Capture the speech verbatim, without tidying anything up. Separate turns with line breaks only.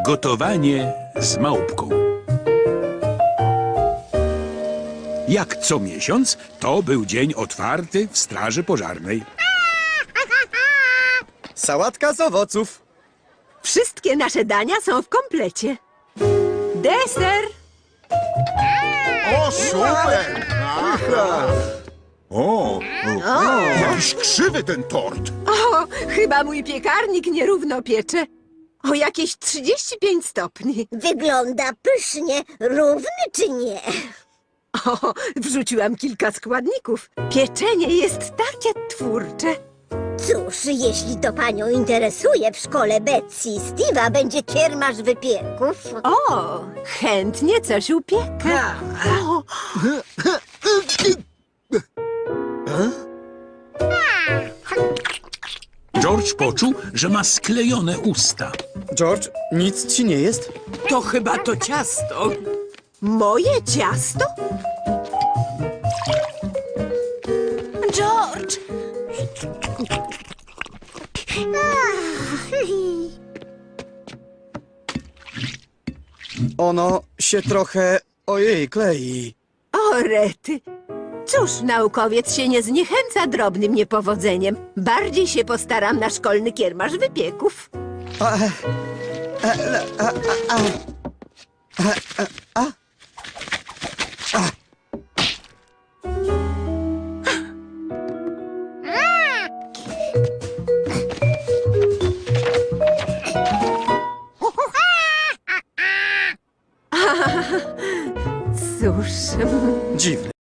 Gotowanie z małpką. Jak co miesiąc, to był dzień otwarty w straży pożarnej.
Sałatka z owoców.
Wszystkie nasze dania są w komplecie. Deser!
O, super! O, o, jakiś krzywy ten tort.
O, chyba mój piekarnik nierówno piecze. O jakieś trzydzieści pięć stopni.
Wygląda pysznie, równy czy nie?
O, wrzuciłam kilka składników. Pieczenie jest takie twórcze.
Cóż, jeśli to panią interesuje, w szkole Betsy i Steve'a będzie kiermasz wypieków.
O, chętnie coś upiekę. O,
George poczuł, że ma sklejone usta.
George, nic ci nie jest?
To chyba to ciasto.
moje ciasto?
George!
Ono się trochę, ojej, klei.
O, rety. Cóż, naukowiec się nie zniechęca drobnym niepowodzeniem. Bardziej się postaram na szkolny kiermasz wypieków.
A, a, a, a, a, a, a,